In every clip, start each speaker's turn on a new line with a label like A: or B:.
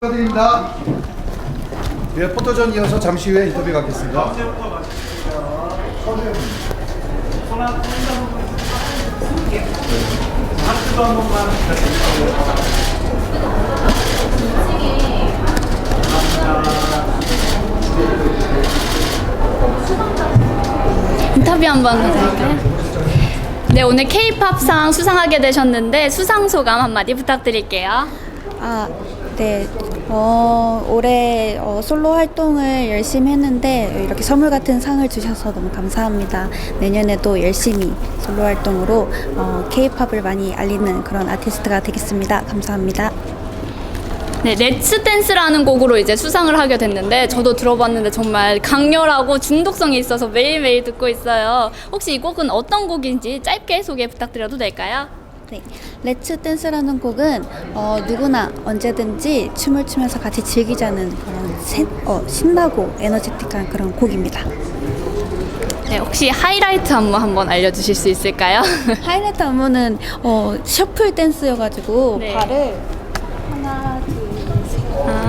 A: 축하드립니다. 네, 포토전 이어서 잠시 후에 인터뷰 갖겠습니다. 하트도 한 번만 부탁드립니다.
B: 인터뷰 한번 해드릴까요? 네, 오늘 K-팝상 수상하게 되셨는데 수상 소감 한마디 부탁드릴게요.
C: 네. 올해 솔로 활동을 열심히 했는데 이렇게 선물 같은 상을 주셔서 너무 감사합니다. 내년에도 열심히 솔로 활동으로 K-팝을 많이 알리는 그런 아티스트가 되겠습니다. 감사합니다.
B: 네, 렛츠 댄스라는 곡으로 이제 수상을 하게 됐는데 저도 들어봤는데 정말 강렬하고 중독성이 있어서 매일매일 듣고 있어요. 혹시 이 곡은 어떤 곡인지 짧게 소개 부탁드려도 될까요?
C: 네, 렛츠 댄스라는 곡은 누구나 언제든지 춤을 추면서 같이 즐기자는 그런 신나고 에너제틱한 그런 곡입니다.
B: 네, 혹시 하이라이트 안무 한번 알려주실 수 있을까요?
C: 하이라이트 안무는 셔플 댄스여가지고
B: 네.
C: 발을 하나, 둘, 셋.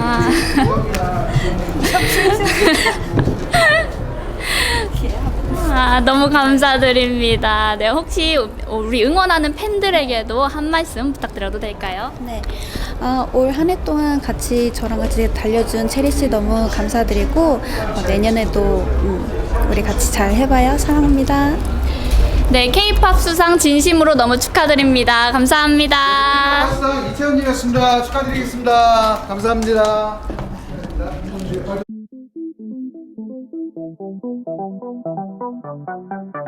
B: 너무 감사드립니다. 네, 혹시 우리 응원하는 팬들에게도 한 말씀 부탁드려도 될까요?
C: 네, 올 한 해 동안 저랑 같이 달려준 체리 씨 너무 감사드리고 내년에도 우리 같이 잘 해봐요. 사랑합니다.
B: 네, K-팝 수상 진심으로 너무 축하드립니다. 감사합니다.
A: 수상 이채원님이었습니다. 축하드리겠습니다. 감사합니다. 감사합니다.